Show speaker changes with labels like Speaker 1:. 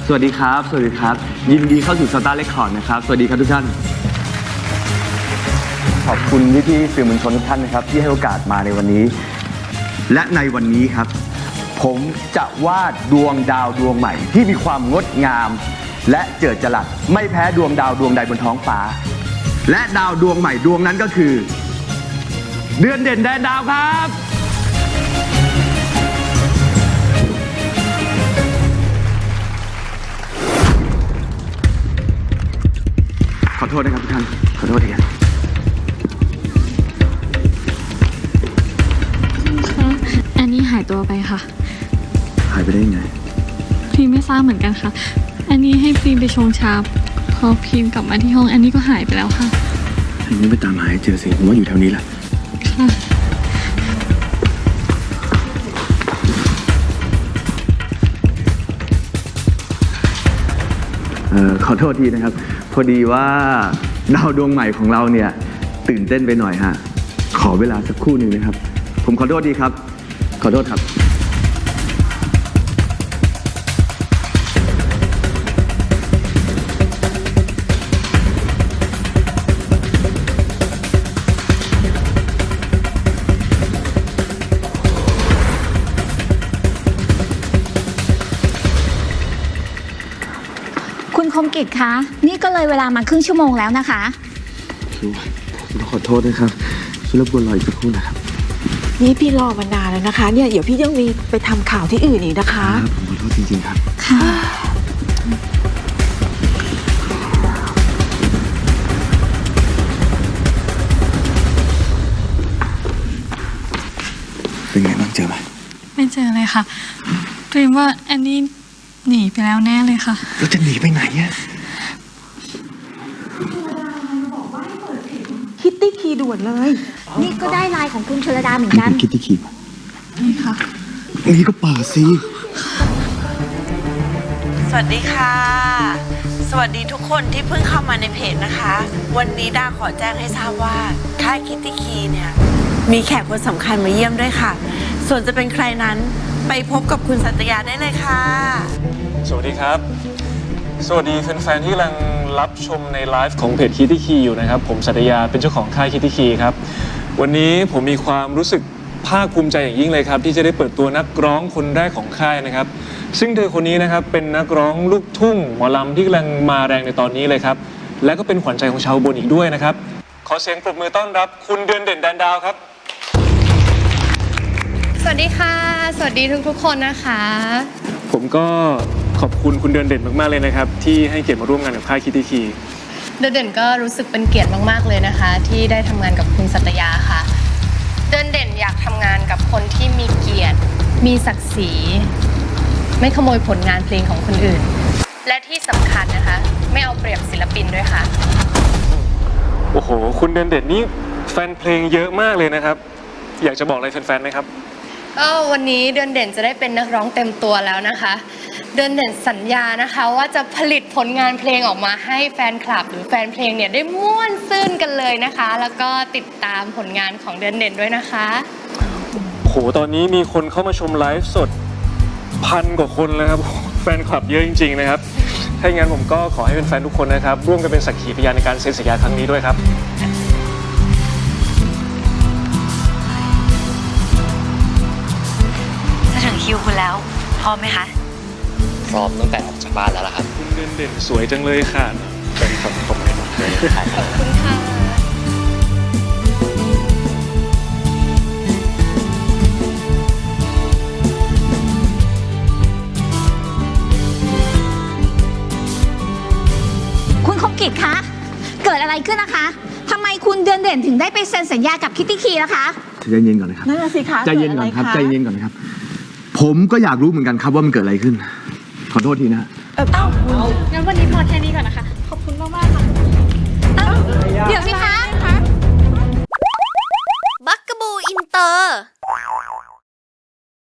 Speaker 1: สวัสดีครับสวัสดีครับยินดีเข้าสู่สตาร์เรคคอร์ดนะครับสวัสดีครับทุกท่านขอบคุณพี่ๆสื่อมวลชนทุกท่านนะครับที่ให้โอกาสมาในวันนี้และในวันนี้ครับผมจะวาดดวงดาวดวงใหม่ที่มีความงดงามและเจิดจรัสไม่แพ้ดวงดาวดวงใดบนท้องฟ้าและดาวดวงใหม่ดวงนั้นก็คือเดือนเด่นแดนดาวครับขอโทษนะครับทุกท่านขอโทษทีครับ
Speaker 2: อันนี้หายตัวไปค่ะ
Speaker 1: หายไปได้ยังไง
Speaker 2: พรีมไม่ทราบเหมือนกันค่ะอันนี้ให้พรีมไปชงชาพอพรีมกลับมาที่ห้องอันนี้ก็หายไปแล้วค่ะ
Speaker 1: อันนี้ไปตามหาให้เจอสิผมว่าอยู่แถวนี้แหละ
Speaker 2: ค่ะ
Speaker 1: ขอโทษทีนะครับพอดีว่าดาวดวงใหม่ของเราเนี่ยตื่นเต้นไปหน่อยฮะขอเวลาสักครู่หนึ่งนะครับผมขอโทษดีครับขอโทษครับ
Speaker 3: คุณคมกิจคะนี่ก็เลยเวลามาครึ่งชั่วโมงแล้วนะคะ
Speaker 1: ผมขอโทษนะครับช่วยรบกวนรออีกสักครู่นะครับ
Speaker 4: นี่พี่รอมานานแล้วนะคะเนี่ยเดี๋ยวพี่ยังมีไปทำข่าวที่อื่นอีกนะคะ
Speaker 1: ผมขอโทษจริงๆครับ
Speaker 3: ค่ะ
Speaker 1: เป็นไงบ้างเจอไหม
Speaker 2: ไม่เจอเลยค่ะพรีมว่าอันนี้หนีไปแล้วแน่เลยค่ะ
Speaker 1: แล้วจะหนีไปไหนเนี่ย
Speaker 4: คิตตี้คีย์ด่วนเลย
Speaker 3: นี่ก็ได้ไลน์ของคุณชลดาเหมือนกัน
Speaker 1: คิดที่ขีด
Speaker 2: นี่ค่ะ
Speaker 1: นี่ก็เปิดสิ
Speaker 5: สวัสดีค่ะสวัสดีทุกคนที่เพิ่งเข้ามาในเพจนะคะวันนี้ดาขอแจ้งให้ทราบว่าค่ายคิตตี้คีย์เนี่ยมีแขกคนสำคัญมาเยี่ยมด้วยค่ะส่วนจะเป็นใครนั้นไปพบกับคุณสัตยาได้เลยค่ะ
Speaker 6: สวัสดีครับสวัสดีแฟนๆที่กำลังรับชมในไลฟ์ของเพจคิตตี้คีอยู่นะครับผมสัตยาเป็นเจ้าของค่ายคิตตี้คีครับวันนี้ผมมีความรู้สึกภาคภูมิใจอย่างยิ่งเลยครับที่จะได้เปิดตัวนักร้องคนแรกของค่ายนะครับซึ่งเธอคนนี้นะครับเป็นนักร้องลูกทุ่งหมอลำที่กำลังมาแรงในตอนนี้เลยครับและก็เป็นขวัญใจของชาวอุบลอีกด้วยนะครับขอเสียงปรบมือต้อนรับคุณเดือนเด่นแดนดาวครับ
Speaker 7: สวัสดีค่ะสวัสดีทุกๆคนนะคะ
Speaker 6: ผมก็ขอบคุณคุณเดือนเด่นมากๆเลยนะครับที่ให้เกียรติมาร่วมงานกับค่ายคิตตี้คี
Speaker 7: เดือนเด่นก็รู้สึกเป็นเกียรติมากๆเลยนะคะที่ได้ทำงานกับคุณสัตยาค่ะเดือนเด่นอยากทำงานกับคนที่มีเกียรติมีศักดิ์ศรีไม่ขโมยผลงานเพลงของคนอื่นและที่สำคัญนะคะไม่เอาเปรียบศิลปินด้วยค่ะ
Speaker 6: โอ้โหคุณเดือนเด่นนี่แฟนเพลงเยอะมากเลยนะครับอยากจะบอกอะไรแฟนๆไหมครับ
Speaker 7: ก็วันนี้เดือนเด่นจะได้เป็นนักร้องเต็มตัวแล้วนะคะเดือนเด่นสัญญานะคะว่าจะผลิตผลงานเพลงออกมาให้แฟนคลับหรือแฟนเพลงเนี่ยได้ม่วนซื่นกันเลยนะคะแล้วก็ติดตามผลงานของเดือนเด่นด้วยนะคะ
Speaker 6: โหตอนนี้มีคนเข้ามาชมไลฟ์สด1,000 กว่าคนแล้วครับแฟนคลับเยอะจริงๆนะครับถ้าอย่างนั้นผมก็ขอให้เป็นแฟนทุกคนนะครับร่วมกันเป็นสักขีพยานในการเซ็นสัญญาครั้งนี้ด้วยครับ
Speaker 5: ถึงคิวคุณแล้วพร้อมไหมคะ
Speaker 8: พร้อมตั้งแต่ออกจากบ้านแล้วล่ะครับ
Speaker 6: คุณเด่นเด่นสวยจังเลยค่ะเป็นคำชมเลย
Speaker 7: ขอบคุณค่ะ
Speaker 3: คุณคมกิจคะเกิดอะไรขึ้นนะคะทำไมคุณเดือนเด่นถึงได้ไปเซ็นสัญญากับคิตตี้คีล่ะคะ
Speaker 1: ใจเย็นก่อนนะครับ
Speaker 4: นั่นสิคะ
Speaker 1: ใจเย็นก่อนครับใจเย็นก่อนนะครับผมก็อยากรู้เหมือนกันครับว่ามันเกิดอะไรขึ้นขอโทษทีนะ
Speaker 2: งั้นวันนี้พอแค่นี้ก่อนนะคะขอบคุณมากๆค่ะ
Speaker 3: เดี๋ยวสิคะ
Speaker 9: บักกะบูอินเตอร์